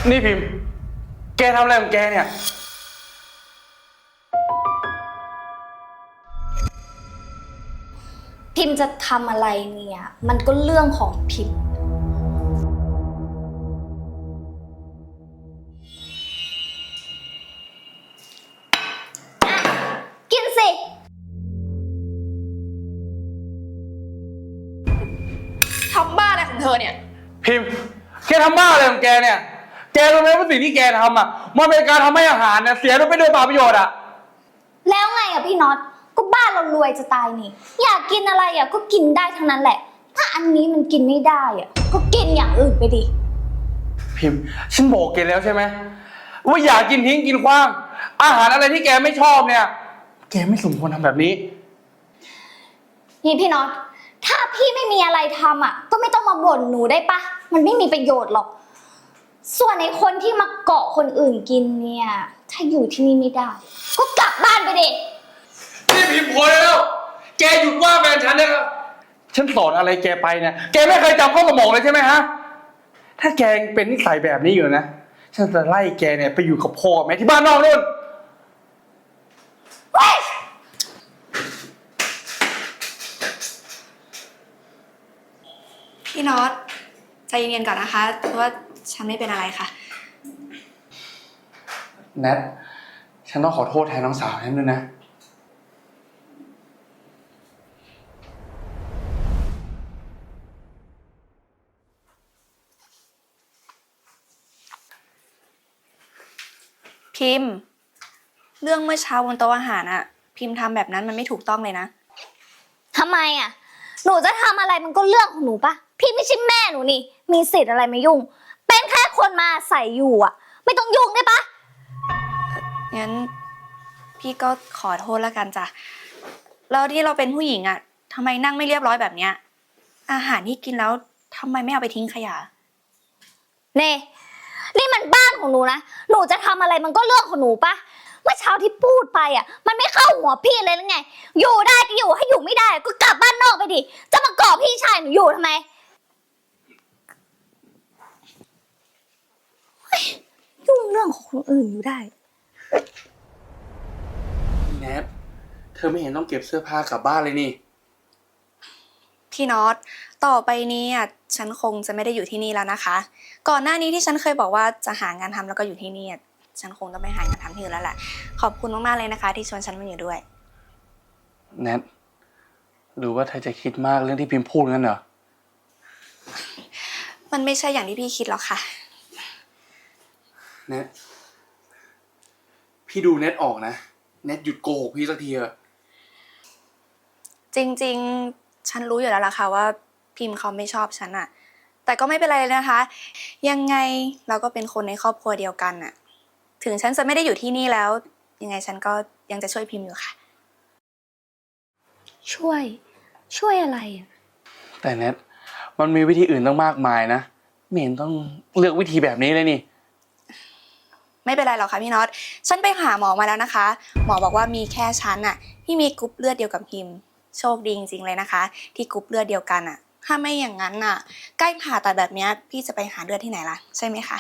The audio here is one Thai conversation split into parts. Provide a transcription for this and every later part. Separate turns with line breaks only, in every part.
นี่พิมพ์แกทำอะไรของแกเนี่ย
พิมพ์จะทำอะไรเนี่ยมันก็เรื่องของพิมพ์กินสิ
ทำบ้าอะไรของเธอเนี่ย
พิมพ์แกทำบ้าอะไรของแกเนี่ยแกรู้ไหมว่าสิ่งที่แกทำอ่ะมันเป็นการทำให้อาหารเนี่ยเสียไปโดยเปล่าประโยชน์อ่ะ
แล้วไงอ่ะพี่น็อตก็บ้านเรารวยจะตายนี่อยากกินอะไรอ่ะก็กินได้ทั้งนั้นแหละถ้าอันนี้มันกินไม่ได้อ่ะก็กินอย่างอื่นไปดิ
พิมพ์ฉันบอกแกแล้วใช่ไหมว่าอย่ากินทิ้งกินขว้างอาหารอะไรที่แกไม่ชอบเนี่ยแกไม่สมควรทำแบบนี้
นี่พี่น็อตถ้าพี่ไม่มีอะไรทำอ่ะก็ไม่ต้องมาบ่นหนูได้ปะมันไม่มีประโยชน์หรอกส่วนในคนที่มาเกาะคนอื่นกินเนี่ยถ้าอยู่ที่นี่ไม่ได้ก็กลับบ้านไปดิ
นี่พิมพ์พอแล้วแกหยุดว่าแฟนฉันนะครับฉันสอนอะไรแกไปเนี่ยแกไม่เคยจำข้อสมองเลยใช่ไหมฮะถ้าแกยังเป็นนิสัยแบบนี้อยู่นะฉันจะไล่แกเนี่ยไปอยู่กับพ่อแม่ที่บ้านนอกนู่น
พี่น็อตใจเย็นๆก่อนนะคะเพราะว่าฉันไม่เป็นอะไรค่ะ
แนทฉันต้องขอโทษแทนน้องสาวฉันด้วยนะ
พิมพ์เรื่องเมื่อเช้าบนโต๊ะอาหารอะพิมพ์ทำแบบนั้นมันไม่ถูกต้องเลยนะ
ทำไมอ่ะหนูจะทำอะไรมันก็เรื่องของหนูปะพี่ไม่ใช่แม่หนูนี่มีสิทธิ์อะไรมายุ่งเป็นแค่คนมาใส่อยู่อ่ะไม่ต้องยุ่งได้ปะ
งั้นพี่ก็ขอโทษแล้วกันจ้ะแล้วที่เราเป็นผู้หญิงอะทำไมนั่งไม่เรียบร้อยแบบเนี้ยอาหารที่กินแล้วทำไมไม่เอาไปทิ้งขยะ
เน่นี่มันบ้านของหนูนะหนูจะทำอะไรมันก็เรื่องของหนูปะเมื่อเช้าที่พูดไปอ่ะมันไม่เข้าหัวพี่เลยหรือไงอยู่ได้ก็อยู่ให้อยู่ไม่ได้ก็กลับบ้านนอกไปดิจะมาก่อพี่ชายหนูอยู่ทำไมยุ่งเรื่องของคนอื่นอยู่ได้
แนทเธอไม่เห็นต้องเก็บเสื้อผ้ากลับบ้านเลยนี่
พี่น็อตต่อไปนี้อ่ะฉันคงจะไม่ได้อยู่ที่นี่แล้วนะคะก่อนหน้านี้ที่ฉันเคยบอกว่าจะหางานทำแล้วก็อยู่ที่นี่ฉันคงต้องไปหางานทำที่อื่นแล้วแหละขอบคุณมากๆเลยนะคะที่ชวนฉันมาอยู่ด้วย
แนทหรือว่าเธอจะคิดมากเรื่องที่พิมพ์พูดงั้นเหรอ
มันไม่ใช่อย่างที่พี่คิดหรอกค่ะ
แนทพี่ดูแนทออกนะแนทหยุดโกหกพี่สักทีเถอะ
จริงๆฉันรู้อยู่แล้วล่ะค่ะว่าพิมพ์เขาไม่ชอบฉันอะแต่ก็ไม่เป็นไรเลยนะคะยังไงเราก็เป็นคนในครอบครัวเดียวกันอะถึงฉันจะไม่ได้อยู่ที่นี่แล้วยังไงฉันก็ยังจะช่วยพิมพ์อยู่ค่ะ
ช่วยอะไรอ่ะ
แต่แนทมันมีวิธีอื่นต้องมากมายนะไม่เห็นต้องเลือกวิธีแบบนี้เลยนี่
ไม่เป็นไรหรอกค่ะพี่น็อตฉันไปหาหมอมาแล้วนะคะหมอบอกว่ามีแค่ฉันอะที่มีกรุ๊ปเลือดเดียวกับพิมพ์โชคดีจริงๆเลยนะคะที่กรุ๊ปเลือดเดียวกันอะถ้าไม่อย่างนั้นอะใกล้ผ่าตัดแบบนี้พี่จะไปหาเลือดที่ไหนล่ะใช่ไหมคะ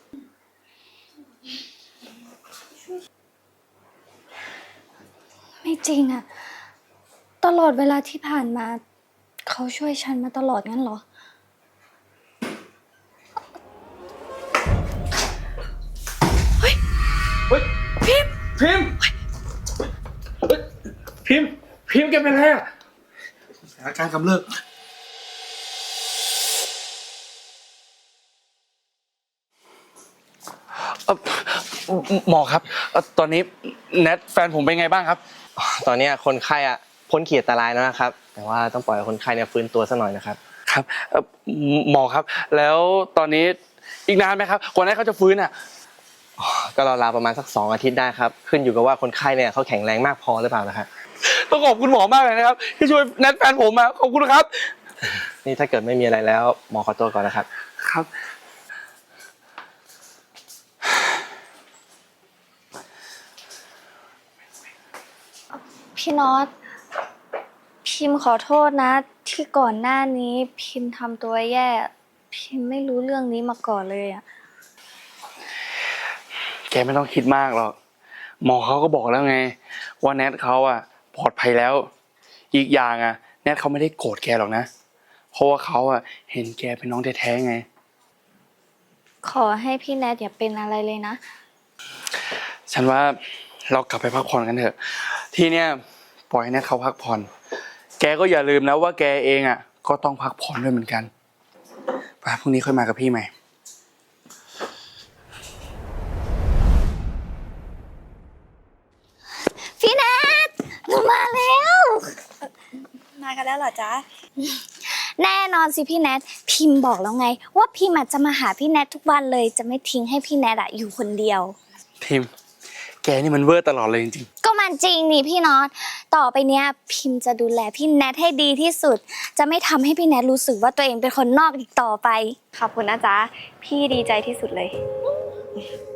ไม่จริงอ่ะตลอดเวลาที่ผ่านมาเขาช่วยฉันมาตลอดงั้นเหรอ
เฮ้ยพิมพ์พิมพ์พิมพ์แกเป็นอะไรอ่ะอาการกำเริบหมอครับตอนนี้แนทแฟนผมเป็นไงบ้างครับ
ตอนนี้คนไข้พ้นขีดอันตรายแล้วนะครับแต่ว่าต้องปล่อยคนไข้เนี่ยฟื้นตัวสักหน่อยนะครับ
ครับหมอครับแล้วตอนนี้อีกนานไหมครับกว่านั้นเขาจะฟื้นอ่ะ
ก็ราวๆประมาณสัก2 อาทิตย์ได้ครับขึ้นอยู่กับว่าคนไข้เนี่ยเขาแข็งแรงมากพอหรือเปล่านะครับ
ต้องขอบคุณหมอมากเลยนะครับที่ช่วยแนทแฟนผมมาขอบคุณครับ
นี่ถ้าเกิดไม่มีอะไรแล้วหมอขอตัวก่อนนะครับ
ครับ
พี่น็อตพิมพ์ขอโทษนะที่ก่อนหน้านี้พิมพ์ทำตัวแย่พิมพ์ไม่รู้เรื่องนี้มาก่อนเลยอ่ะ
แกไม่ต้องคิดมากหรอกหมอเขาก็บอกแล้วไงว่าแนทเขาอะปลอดภัยแล้ว อีกอย่างอะแนทเขาไม่ได้โกรธแกหรอกนะเพราะว่าเขาอะเห็นแกเป็นน้องแท้ๆไง
ขอให้พี่แนทอย่าเป็นอะไรเลยนะ
ฉันว่าเรากลับไปพักผ่อนกันเถอะ ที่เนี่ยปล่อยให้แนทเขาพักผ่อน แกก็อย่าลืมนะว่าแกเองอะก็ต้องพักผ่อนด้วยเหมือนกันไปพรุ่งนี้ค่อยมากับพี่ใหม่
พี่แนทหนูมาแล้ว
มากันแล้วเหรอจ๊ะ
แน่นอนสิพี่แนทพิมพ์บอกแล้วไง ว่าพิมพ์จะมาหาพี่แนททุกวันเลยจะไม่ทิ้งให้พี่แนทอยู่คนเดียว
พิมพ์แกนี่มันเวอร์ตลอดเลยจริง
ก็มันจริงนี่พี่น็อตต่อไปเนี้ยพิมพ์จะดูแลพี่แนทให้ดีที่สุด จะไม่ทำให้พี่แนทรู้สึกว่าตัวเองเป็นคนนอกอีกต่อไป
ขอบคุณนะจ๊ะ พี่ดีใจที่สุดเลย
ๆ